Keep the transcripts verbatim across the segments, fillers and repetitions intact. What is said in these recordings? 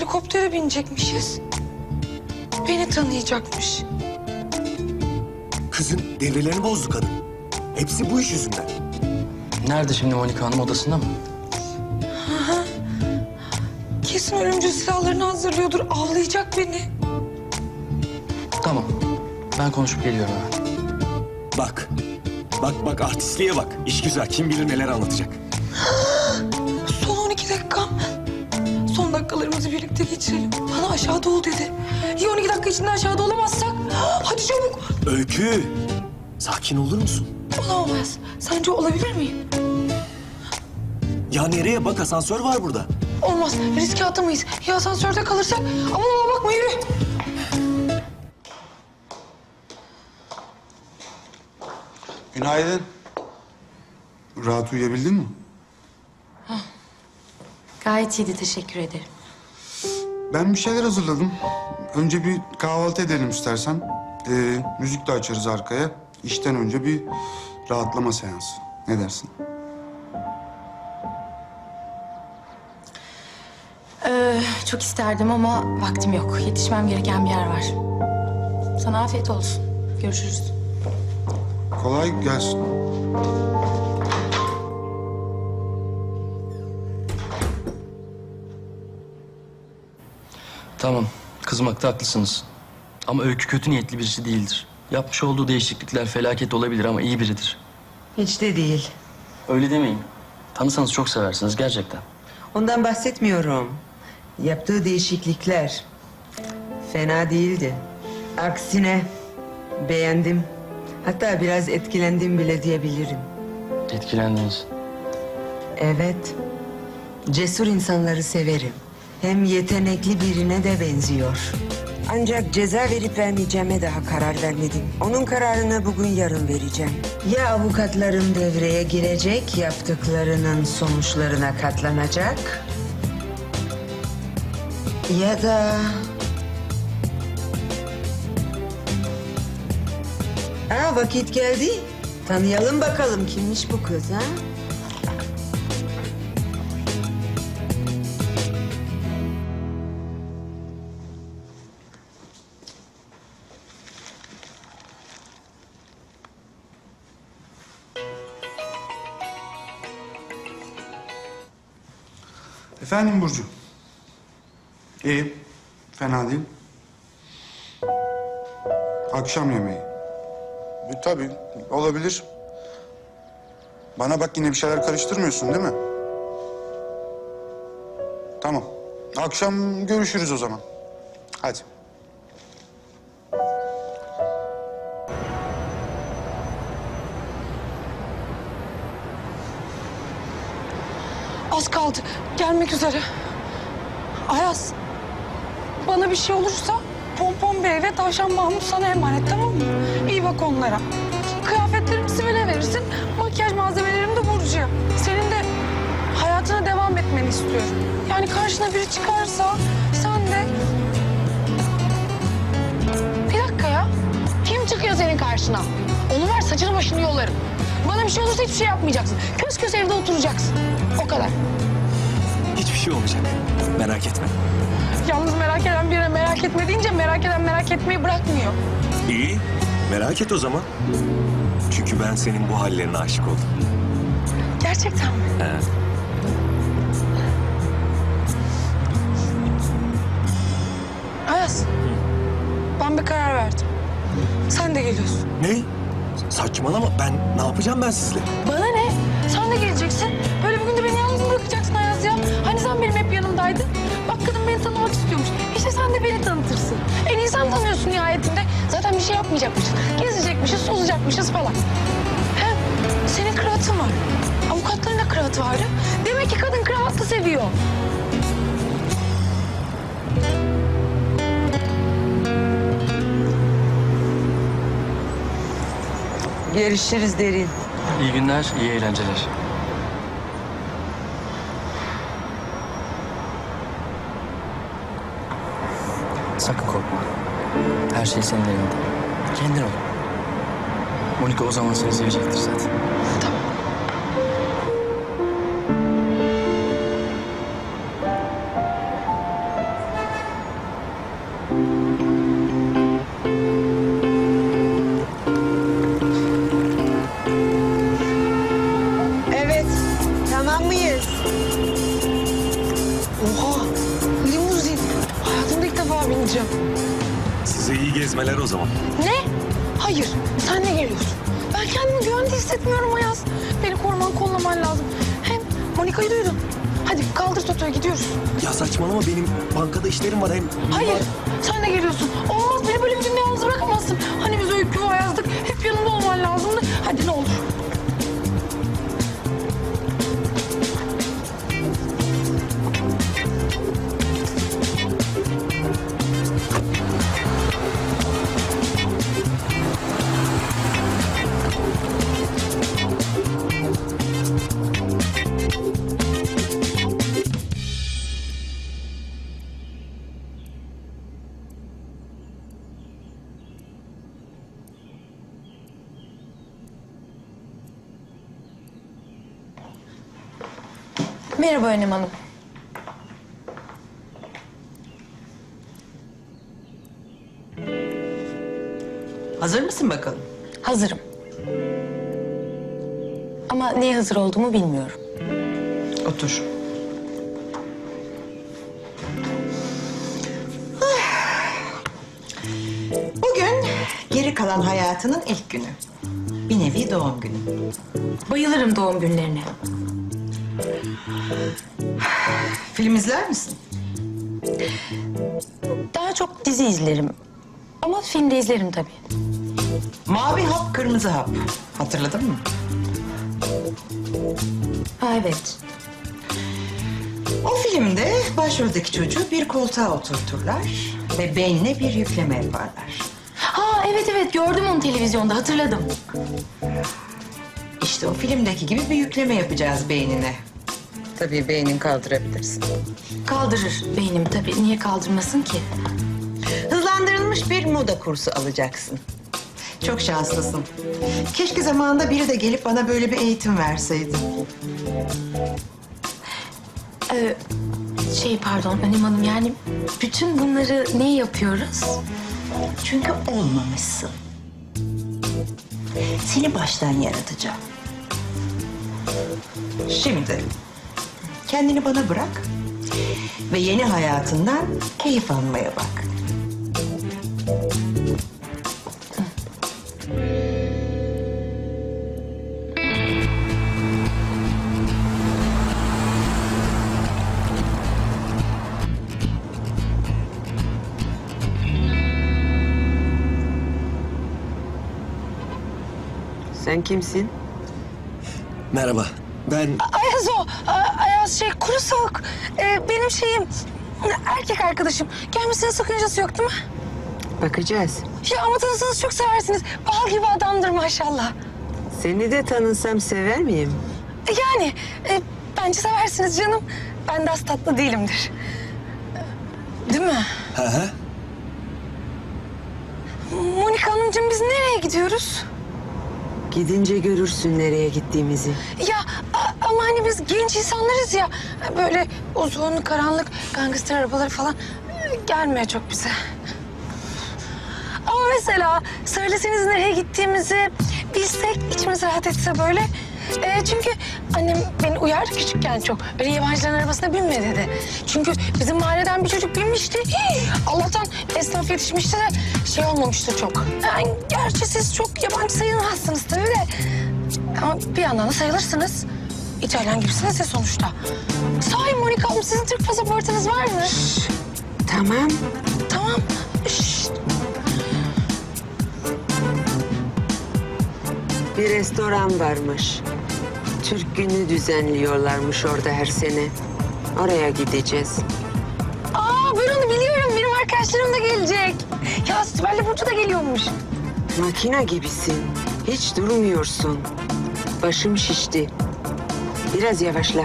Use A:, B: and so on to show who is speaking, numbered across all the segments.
A: Helikoptere binecekmişiz. Beni tanıyacakmış.
B: Kızın devrelerini bozdu kadın. Hepsi bu iş yüzünden.
C: Nerede şimdi Monika Hanım, odasında mı?
A: Kesin ölümcül silahlarını hazırlıyordur. Avlayacak beni.
C: Tamam. Ben konuşup geliyorum hemen.
B: Bak. Bak bak artistliğe bak. İş güzel. Kim bilir neler anlatacak.
A: Son on iki dakikam. Son dakikalarımızı birlikte geçirelim. Bana aşağıda ol dedi. Ya on iki dakika içinde aşağıda olamazsak? Hadi çabuk.
B: Öykü. Sakin olur musun?
A: Olamaz. Sence olabilir miyim?
B: Ya nereye? Bak asansör var burada.
A: Olmaz. Riske atamayız. Ya asansörde kalırsak? Aman aman bakma yürü.
D: Günaydın. Rahat uyuyabildin mi?
E: Gayet iyiydi, teşekkür ederim.
D: Ben bir şeyler hazırladım. Önce bir kahvaltı edelim istersen. Ee, müzik de açarız arkaya. İşten önce bir rahatlama seansı. Ne dersin?
E: Ee, çok isterdim ama vaktim yok. Yetişmem gereken bir yer var. Sana afiyet olsun. Görüşürüz.
D: Kolay gelsin.
C: Tamam. Kızmakta haklısınız. Ama Öykü kötü niyetli birisi değildir. Yapmış olduğu değişiklikler felaket olabilir ama iyi biridir.
F: Hiç de değil.
C: Öyle demeyin. Tanısanız çok seversiniz gerçekten.
F: Ondan bahsetmiyorum. Yaptığı değişiklikler fena değildi. Aksine beğendim. Hatta biraz etkilendim bile diyebilirim.
C: Etkilendiniz.
F: Evet. Cesur insanları severim. Hem yetenekli birine de benziyor. Ancak ceza verip vermeyeceğime daha karar vermedim. Onun kararını bugün yarın vereceğim. Ya avukatlarım devreye girecek, yaptıklarının sonuçlarına katlanacak. Ya da... Aa, vakit geldi. Tanıyalım bakalım kimmiş bu kız ha?
D: Efendim Burcu. İyi. Fena değil. Akşam yemeği. E, tabii olabilir. Bana bak, yine bir şeyler karıştırmıyorsun değil mi? Tamam. Akşam görüşürüz o zaman. Hadi.
A: Az kaldı. Gelmek üzere. Ayaz. Bana bir şey olursa Pompon Bey ve Tavşan Mahmut sana emanet, tamam mı? İyi bak onlara. Kıyafetlerimi Sibel'e verirsin. Makyaj malzemelerimi de Burcu'ya. Senin de hayatına devam etmeni istiyorum. Yani karşına biri çıkarsa sen de... Bir dakika ya.
G: Kim çıkıyor senin karşına? Onu ver, saçını başını yolarım. Bana bir şey olursa hiçbir şey yapmayacaksın. Kös kös evde oturacaksın. O kadar.
B: Hiçbir şey olmayacak. Merak etme.
A: Yalnız merak eden birine merak etme deyince merak eden merak etmeyi bırakmıyor.
B: İyi. Merak et o zaman. Çünkü ben senin bu hallerine aşık oldum.
A: Gerçekten mi?
B: He.
A: Ayaz. Ben bir karar verdim. Sen de geliyorsun.
B: Ne? Saçmalama. Ben ne yapacağım ben sizle?
A: Bana ne? Sen de geleceksin. Böyle bir günde beni yalnız mı bırakacaksın Ayaz ya? Hani sen benim hep yanımdaydın. Bak kadın beni tanımak istiyormuş. İşte sen de beni tanıtırsın. En iyi sen tanıyorsun nihayetinde. Zaten bir şey yapmayacakmışız. Gezecekmişiz, sozacakmışız falan. Hem senin kravatın var. Avukatların da kravatı vardı. Demek ki kadın kravatlı seviyor.
F: Görüşürüz Derin.
C: İyi günler, iyi eğlenceler. Sakın korkma. Her şey senin elinde. Kendin ol. Monika o zaman seni sevecektir zaten.
A: Tamam. Hanımcığım.
B: Size iyi gezmeler o zaman.
A: Ne? Hayır, sen ne geliyorsun? Ben kendimi güvende hissetmiyorum Ayaz. Beni koruman, kollaman lazım. Hem Monika'yı duydun. Hadi kaldır Toto'ya gidiyoruz.
B: Ya saçmalama, benim bankada işlerim var hem...
A: Hayır, sen de geliyorsun. Olmaz, beni böyle bir günde yalnız bırakamazsın. Hani biz Öykü ve Ayaz'dık, hep yanımda olman lazımdı. Hadi ne olur.
E: Merhaba Önem Hanım.
H: Hazır mısın bakalım?
E: Hazırım. Ama neye hazır olduğumu bilmiyorum.
H: Otur. Bugün geri kalan hayatının ilk günü. Bir nevi doğum günü.
E: Bayılırım doğum günlerine.
H: Film izler misin?
E: Daha çok dizi izlerim. Ama film de izlerim tabii.
H: Mavi hap, kırmızı hap. Hatırladın mı?
E: Ha, evet.
H: O filmde başroldeki çocuğu bir koltuğa oturturlar ve beynine bir yükleme yaparlar.
E: Ha, evet evet, gördüm onu televizyonda, hatırladım.
H: İşte o filmdeki gibi bir yükleme yapacağız beynine. Tabii beynin kaldırabilirsin.
E: Kaldırır beynim tabii. Niye kaldırmasın ki?
H: Hızlandırılmış bir moda kursu alacaksın. Çok şanslısın. Keşke zamanında biri de gelip bana böyle bir eğitim verseydi.
E: Ee, şey pardon Önem Hanım, yani bütün bunları niye yapıyoruz?
H: Çünkü olmamışsın. Seni baştan yaratacağım. Şimdi kendini bana bırak ve yeni hayatından keyif almaya bak.
F: Sen kimsin?
B: Merhaba, ben...
A: Ayaz o. A- Ayaz şey, kuru soğuk. Ee, benim şeyim, erkek arkadaşım. Gelmesine sakıncası yok değil mi?
F: Bakacağız.
A: Ya ama tanısanız çok seversiniz. Bal gibi adamdır maşallah.
F: Seni de tanısam sever miyim?
A: Yani e, bence seversiniz canım. Ben de az tatlı değilimdir. Değil mi?
B: Hı hı.
A: Monika Hanımcığım, biz nereye gidiyoruz?
F: Gidince görürsün nereye gittiğimizi.
A: Ya a- ama hani biz genç insanlarız ya. Böyle uzun, karanlık, gangster arabaları falan e, gelmiyor çok bize. Ama mesela söyleseniz nereye gittiğimizi bilsek, içimiz rahat etse böyle. E, çünkü annem beni uyardı küçükken çok. Öyle yabancıların arabasına binme dedi. Çünkü bizim mahalleden bir çocuk binmişti. Hii, Allah'tan esnaf yetişmişti de şey olmamıştı çok. Yani gerçi siz çok yabancı sayılmazsınız tabii de. Ama bir yandan da sayılırsınız. İtalyan gibisiniz ya sonuçta. Sahi Monika Hanım, sizin Türk pasaportunuz var mı?
F: Tamam.
A: Tamam. Şşt.
F: Bir restoran varmış. Türk günü düzenliyorlarmış orada her sene. Oraya gideceğiz.
A: Aa, ben onu biliyorum. Benim arkadaşlarım da gelecek. Ya Sibel'le Burcu da geliyormuş.
F: Makine gibisin. Hiç durmuyorsun. Başım şişti. Biraz yavaşla.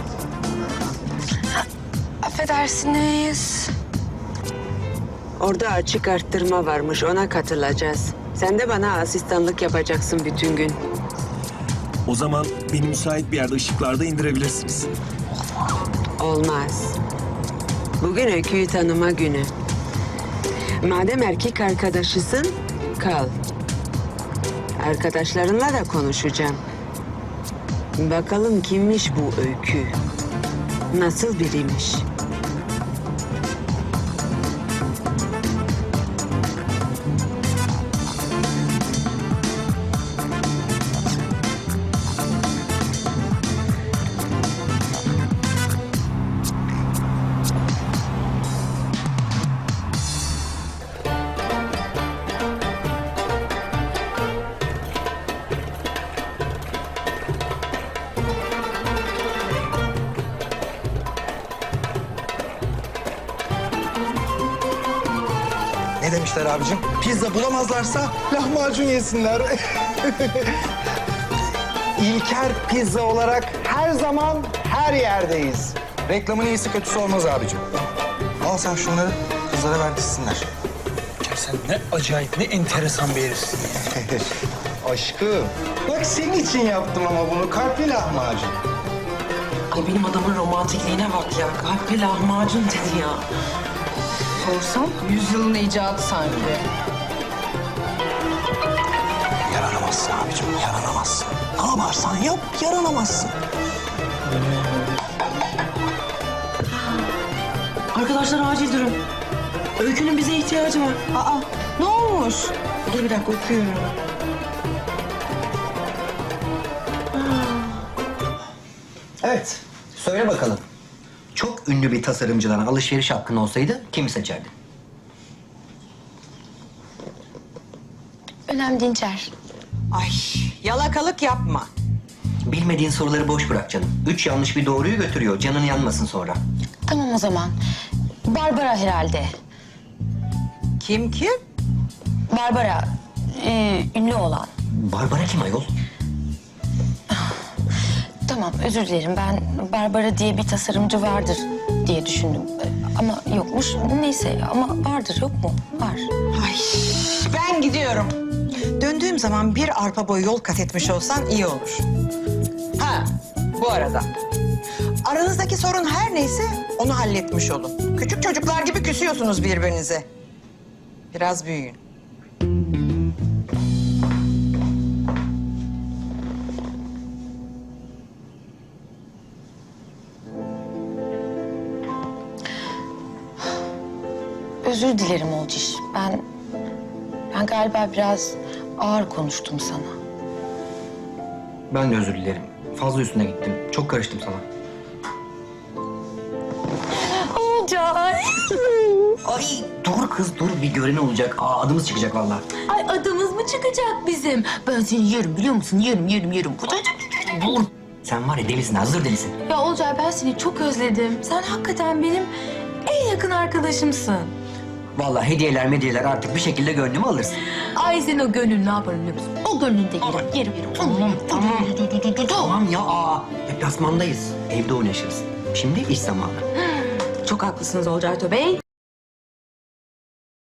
A: Affedersiniz.
F: Orada açık arttırma varmış. Ona katılacağız. Sen de bana asistanlık yapacaksın bütün gün.
B: O zaman beni müsait bir yerde ışıklarda indirebilirsiniz.
F: Olmaz. Bugün Öykü'yü tanıma günü. Madem erkek arkadaşısın, kal. Arkadaşlarınla da konuşacağım. Bakalım kimmiş bu Öykü? Nasıl biriymiş?
I: Ne demişler abicim? Pizza bulamazlarsa lahmacun yesinler. İlker Pizza olarak her zaman her yerdeyiz. Reklamın iyisi kötüsü olmaz abicim. Al sen şunları, kızlara ver dizsinler.
C: Ya sen ne acayip, ne enteresan bir herifsin ya.
I: Aşkım, bak senin için yaptım ama bunu. Kalpli lahmacun.
J: Ay benim adamın romantikliğine bak ya. Kalpli lahmacun dedi ya.
E: Sorsam yüzyılın icadı sanki.
I: Yaranamazsın abicim, yaranamazsın. Ne yaparsan yap, yaranamazsın.
J: Arkadaşlar acil durum. Öykünün bize ihtiyacı var.
H: Aa, ne olmuş? Dur bir dakika okuyorum.
K: Evet, söyle bakalım. Çok ünlü bir tasarımcıdan alışveriş hakkın olsaydı kimi seçerdin?
E: Önem Dinçer.
H: Ay, yalakalık yapma.
K: Bilmediğin soruları boş bırak canım. Üç yanlış bir doğruyu götürüyor. Canın yanmasın sonra.
E: Tamam o zaman. Barbara herhalde.
H: Kim kim?
E: Barbara. Ee, ünlü olan.
K: Barbara kim ayol?
E: Tamam özür dilerim. Ben Barbara diye bir tasarımcı vardır diye düşündüm. Ee, Ama yokmuş. Neyse ama vardır yok mu? Var.
H: Ay, ben gidiyorum. Döndüğüm zaman bir arpa boyu yol kat etmiş olsan iyi olur. Ha, bu arada. Aranızdaki sorun her neyse onu halletmiş olun. Küçük çocuklar gibi küsüyorsunuz birbirinize. Biraz büyüyün.
E: Özür dilerim Olciş. Ben ben galiba biraz ağır konuştum sana.
K: Ben de özür dilerim. Fazla üstüne gittim. Çok karıştım sana.
E: Olcay.
K: Ay dur kız dur. Bir gören olacak. Aa, adımız çıkacak vallahi.
E: Ay adımız mı çıkacak bizim? Ben seni yerim biliyor musun? Yerim yerim yerim.
K: Dur. Sen var ya delisin, hazır delisin.
E: Ya Olcay ben seni çok özledim. Sen hakikaten benim en yakın arkadaşımsın.
K: Vallahi hediyeler mediyeler artık bir şekilde gönlümü alırsın.
E: Ay sen o gönlünü ne yaparım biliyor musun? O gönlünü de yerim, yerim, yerim.
K: Tamam, tamam. Tamam ya, aa. Deplasmandayız. Evde oynaşırız. Şimdi iş zamanı.
E: Çok haklısınız Olcay Bey.